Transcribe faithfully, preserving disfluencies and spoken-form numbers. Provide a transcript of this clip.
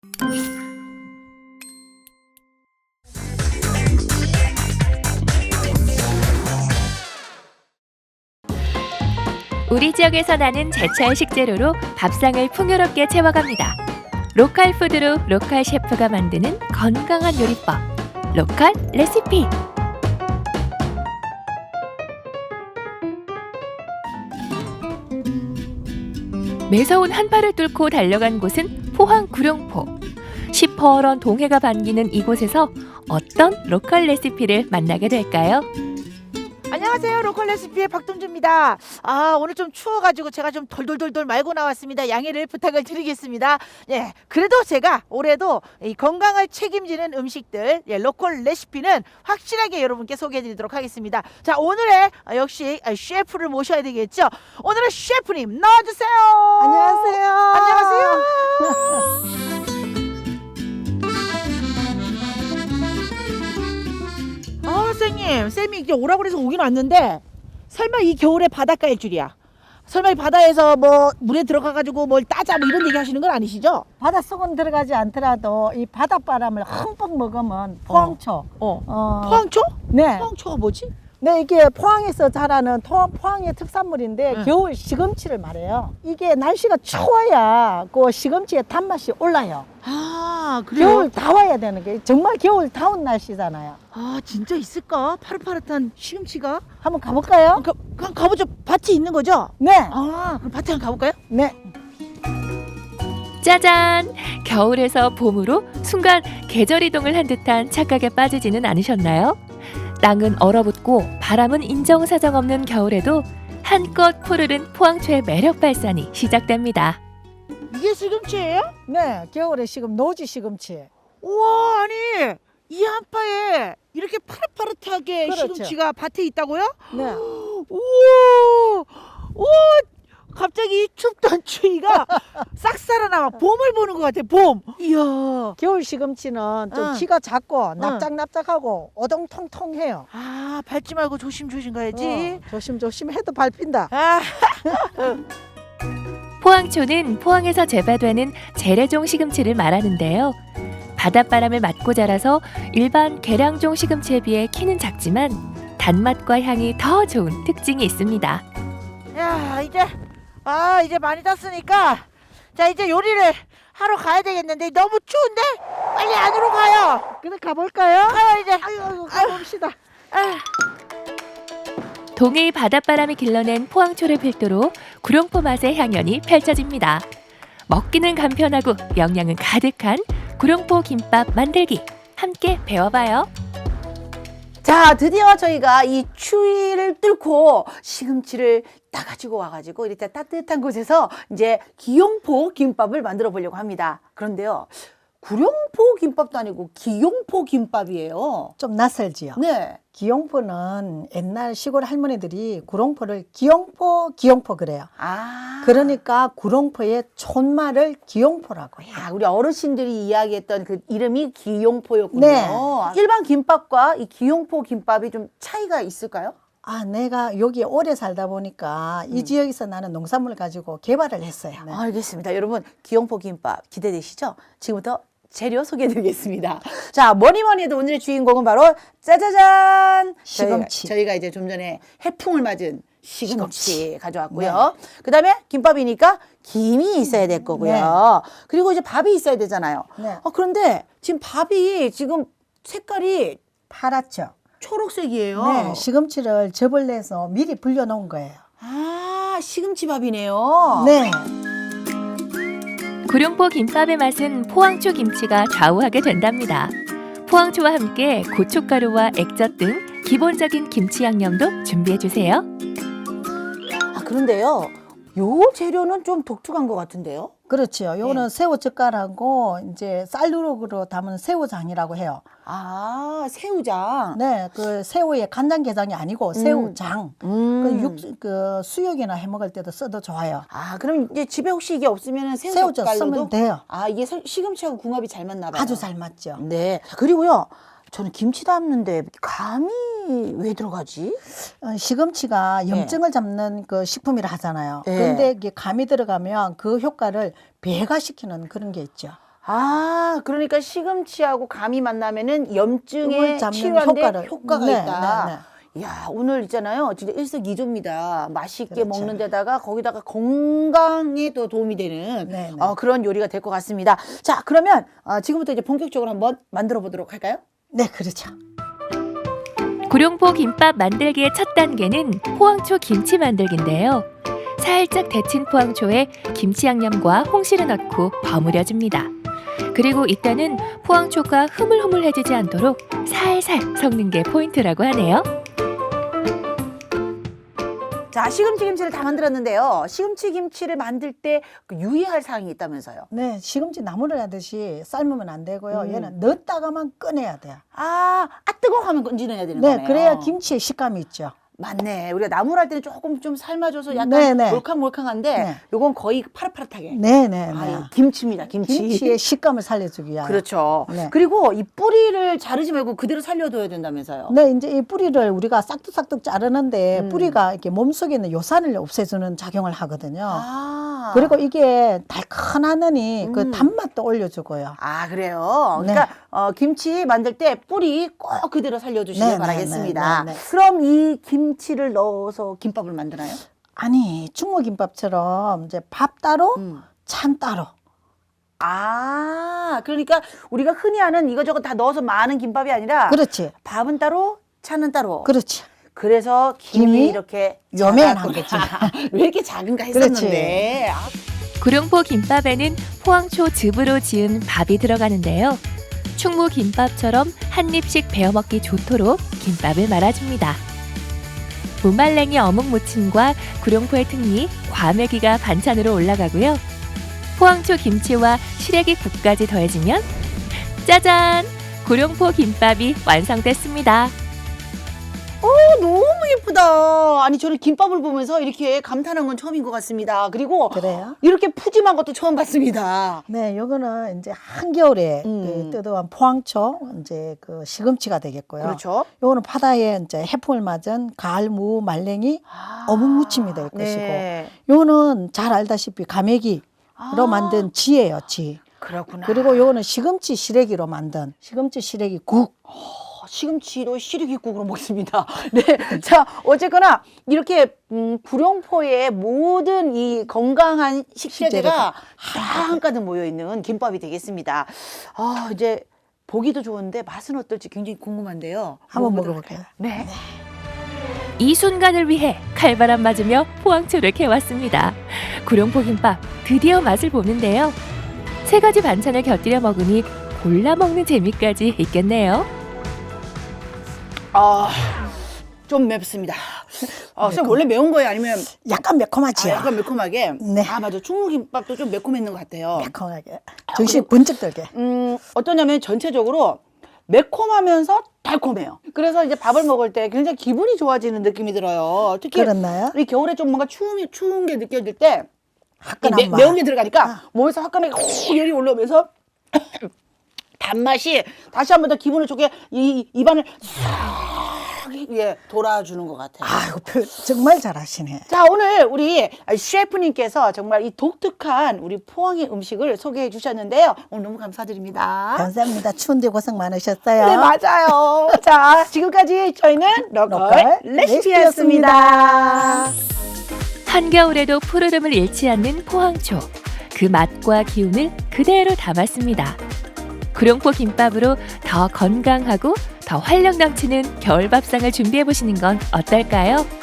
우리 지역에서 나는 제철 식재료로 밥상을 풍요롭게 채워갑니다. 로컬 푸드로 로컬 셰프가 만드는 건강한 요리법, 로컬 레시피. 매서운 한파를 뚫고 달려간 곳은 포항 구룡포. 시퍼런 동해가 반기는 이곳에서 어떤 로컬 레시피를 만나게 될까요? 안녕하세요. 로컬 레시피의 박동주입니다. 아, 오늘 좀 추워가지고 제가 좀 돌돌돌돌 말고 나왔습니다. 양해를 부탁을 드리겠습니다. 예, 그래도 제가 올해도 이 건강을 책임지는 음식들, 예, 로컬 레시피는 확실하게 여러분께 소개해드리도록 하겠습니다. 자, 오늘의 아, 역시 아, 셰프를 모셔야 되겠죠. 오늘의 셰프님 나와주세요. 안녕하세요. 안녕하세요. 아, 선생님, 쌤이 이제 오라고 그래서 오긴 왔는데 설마 이 겨울에 바닷가일 줄이야. 설마 이 바다에서 뭐 물에 들어가가지고 뭘 따자 뭐 이런 얘기 하시는 건 아니시죠? 바닷속은 들어가지 않더라도 이 바닷바람을 흠뻑 먹으면 포항초. 어. 어. 포항초? 네. 포항초가 뭐지? 네, 이게 포항에서 자라는 토, 포항의 특산물인데 응. 겨울 시금치를 말해요. 이게 날씨가 추워야 그 시금치의 단맛이 올라요. 아, 그래요? 겨울 다 와야 되는 게 정말 겨울 다운 날씨잖아요. 아, 진짜 있을까? 파릇파릇한 시금치가? 한번 가볼까요? 가, 그냥 가보죠. 밭이 있는 거죠? 네. 아, 그럼 밭에 한번 가볼까요? 네. 짜잔! 겨울에서 봄으로 순간 계절 이동을 한 듯한 착각에 빠지지는 않으셨나요? 땅은 얼어붙고 바람은 인정사정 없는 겨울에도 한껏 푸르른 포항초의 매력 발산이 시작됩니다. 이게 시금치예요? 네, 겨울에 시금 노지 시금치. 우와, 아니 이 한파에 이렇게 파릇파릇하게 그렇죠. 시금치가 밭에 있다고요? 네. 우와, 우와, 갑자기 이 춥던 추위가 싹 살아나와 봄을 보는 것 같아. 봄. 이야. 겨울 시금치는 좀 응. 키가 작고 납작납작하고 오동통통해요. 아, 밟지 말고 조심조심 가야지. 어, 조심조심 해도 밟힌다. 아, 포항초는 포항에서 재배되는 재래종 시금치를 말하는데요. 바닷바람을 맞고 자라서 일반 계량종 시금치에 비해 키는 작지만 단맛과 향이 더 좋은 특징이 있습니다. 야, 이제 아 이제 많이 땄으니까 자 이제 요리를 하러 가야 되겠는데 너무 추운데 빨리 안으로 가요. 그래 가볼까요? 가요 이제. 아유, 아유 가봅시다. 아. 동해의 바닷바람이 길러낸 포항초를 필두로 구룡포 맛의 향연이 펼쳐집니다. 먹기는 간편하고 영양은 가득한 구룡포 김밥 만들기 함께 배워봐요. 자, 드디어 저희가 이 추위를 뚫고 시금치를 따가지고 와가지고 이렇게 따뜻한 곳에서 이제 기용포 김밥을 만들어 보려고 합니다. 그런데요, 구룡포 김밥도 아니고 기용포 김밥이에요. 좀 낯설지요. 네. 기용포는 옛날 시골 할머니들이 구룡포를 기용포 기용포 그래요. 아. 그러니까 구룡포의 촌말을 기용포라고 해요. 아, 우리 어르신들이 이야기했던 그 이름이 기용포였군요. 네. 일반 김밥과 이 기용포 김밥이 좀 차이가 있을까요? 아, 내가 여기 오래 살다 보니까 이 지역에서 나는 농산물을 가지고 개발을 했어요. 네. 알겠습니다. 여러분, 기용포 김밥 기대되시죠? 지금부터 재료 소개해드리겠습니다. 자, 뭐니 뭐니 해도 오늘의 주인공은 바로 짜자잔! 시금치. 저희가, 저희가 이제 좀 전에 해풍을 맞은 시금치, 가져왔고요. 그 다음에 김밥이니까 김이 있어야 될 거고요. 네. 그리고 이제 밥이 있어야 되잖아요. 네. 어, 그런데 지금 밥이 지금 색깔이 파랗죠. 초록색이에요. 네, 시금치를 즙을 내서 미리 불려 놓은 거예요. 아, 시금치 밥이네요. 네. 구룡포 김밥의 맛은 포항초 김치가 좌우하게 된답니다. 포항초와 함께 고춧가루와 액젓 등 기본적인 김치 양념도 준비해주세요. 아, 그런데요, 요 재료는 좀 독특한 것 같은데요? 그렇지요. 요거는 새우젓갈하고 이제 쌀누룩으로 담은 새우장이라고 해요. 아, 새우장. 네, 그 새우의 간장게장이 아니고 새우장. 음. 그, 육, 그 수육이나 해 먹을 때도 써도 좋아요. 아, 그럼 이제 집에 혹시 이게 없으면 새우젓 새우젓갈로도? 쓰면 돼요. 아, 이게 서- 시금치하고 궁합이 잘 맞나 봐요. 아주 잘 맞죠. 네. 자, 그리고요, 저는 김치 담는데 감이 왜 들어가지? 어, 시금치가 염증을 잡는 그 식품이라 하잖아요. 네. 그런데 이게 감이 들어가면 그 효과를 배가시키는 그런 게 있죠. 아, 그러니까 시금치하고 감이 만나면은 염증에 을 잡는 치료하는데 효과를- 효과가 네, 있다. 네, 네. 야, 오늘 있잖아요. 진짜 일석이조입니다. 맛있게 그렇죠. 먹는 데다가 거기다가 건강에 또 도움이 되는 네, 네. 어, 그런 요리가 될 것 같습니다. 자, 그러면 어, 지금부터 이제 본격적으로 한번 만들어 보도록 할까요? 네, 그렇죠. 구룡포 김밥 만들기의 첫 단계는 포항초 김치 만들기인데요. 살짝 데친 포항초에 김치 양념과 홍시를 넣고 버무려줍니다. 그리고 이때는 포항초가 흐물흐물해지지 않도록 살살 섞는 게 포인트라고 하네요. 자, 시금치 김치를 다 만들었는데요. 시금치 김치를 만들 때그 유의할 사항이 있다면서요. 네, 시금치 나물을 하듯이 삶으면 안 되고요. 음. 얘는 넣었다가만 꺼내야 돼요. 아, 아 뜨거워 하면 건지내야 되는 네, 거네요. 그래야 김치의 식감이 있죠. 맞네. 우리가 나물 할 때는 조금 좀 삶아줘서 약간 네, 네. 몰캉몰캉한데 네. 요건 거의 파릇파릇하게. 네, 네, 네. 아, 김치입니다. 김치. 김치의 식감을 살려주기 위하여. 그렇죠. 네. 그리고 이 뿌리를 자르지 말고 그대로 살려둬야 된다면서요. 네, 이제 이 뿌리를 우리가 싹둑싹둑 자르는데 음. 뿌리가 이렇게 몸속에 있는 요산을 없애주는 작용을 하거든요. 아. 그리고 이게 달큰하느니 음. 그 단맛도 올려주고요. 아, 그래요? 네. 그러니까 어, 김치 만들 때 뿌리 꼭 그대로 살려주시길 네, 네, 바라겠습니다. 네, 네, 네. 그럼 이 김치를 넣어서 김밥을 만드나요? 아니, 충무김밥처럼 이제 밥 따로, 음. 찬 따로. 아, 그러니까 우리가 흔히 하는 이거저거 다 넣어서 많은 김밥이 아니라 그렇지, 밥은 따로, 차는 따로. 그렇지. 그래서 김이, 김이 이렇게 요맨한 작았구나. 왜 이렇게 작은가 그렇지. 했었는데. 아, 구룡포 김밥에는 포항초 즙으로 지은 밥이 들어가는데요. 충무 김밥처럼 한 입씩 베어 먹기 좋도록 김밥을 말아줍니다. 무말랭이 어묵 무침과 구룡포의 특리 과메기가 반찬으로 올라가고요. 포항초 김치와 시래기 국까지 더해지면 짜잔! 구룡포 김밥이 완성됐습니다. 너무 예쁘다. 아니, 저는 김밥을 보면서 이렇게 감탄한 건 처음인 것 같습니다. 그리고 그래요? 이렇게 푸짐한 것도 처음 봤습니다. 네, 요거는 이제 한겨울에 음. 그 뜨거운 포항초, 이제 그 시금치가 되겠고요. 그렇죠. 요거는 바다에 이제 해풍을 맞은 가을 무 말랭이 아, 어묵 무침이 될 것이고, 네. 요거는 잘 알다시피 가메기로 아, 만든 지예요, 지. 그렇구나. 그리고 요거는 시금치 시래기로 만든 시금치 시래기 국. 어, 시금치로 시래기국으로 먹습니다. 네, 자 어쨌거나 이렇게 음, 구룡포의 모든 이 건강한 식재료가 다 한가득 모여 있는 김밥이 되겠습니다. 아 이제 보기도 좋은데 맛은 어떨지 굉장히 궁금한데요. 한번 먹어보도록 먹어볼게요. 할까요? 네. 이 순간을 위해 칼바람 맞으며 포항초를 캐왔습니다. 구룡포 김밥 드디어 맛을 보는데요. 세 가지 반찬을 곁들여 먹으니 골라 먹는 재미까지 있겠네요. 아, 좀 맵습니다. 아, 선생님 원래 매운 거예요? 아니면 약간 아, 매콤하지요. 약간 매콤하게? 네. 아, 맞아. 충무김밥도 좀 매콤했는 것 같아요. 매콤하게. 정신 번쩍 들게. 음, 어떠냐면 전체적으로 매콤하면서 달콤해요. 그래서 이제 밥을 먹을 때 굉장히 기분이 좋아지는 느낌이 들어요. 특히 그렇나요? 이 겨울에 좀 뭔가 추운, 추운 게 느껴질 때 이 화끈한 매, 맛. 매운 게 들어가니까 아. 몸에서 화끈하게 훅 열이 올라오면서 단맛이 다시 한 번 더 기분을 좋게 이 입안을 싹 예, 돌아주는 것 같아요. 아이고, 표- 정말 잘하시네. 자, 오늘 우리 셰프님께서 정말 이 독특한 우리 포항의 음식을 소개해 주셨는데요. 오늘 너무 감사드립니다. 감사합니다. 추운데 고생 많으셨어요. 네, 맞아요. 자, 지금까지 저희는 로컬 로컬 레시피였습니다. 한겨울에도 푸르름을 잃지 않는 포항초. 그 맛과 기운을 그대로 담았습니다. 구룡포 김밥으로 더 건강하고 더 활력 넘치는 겨울 밥상을 준비해 보시는 건 어떨까요?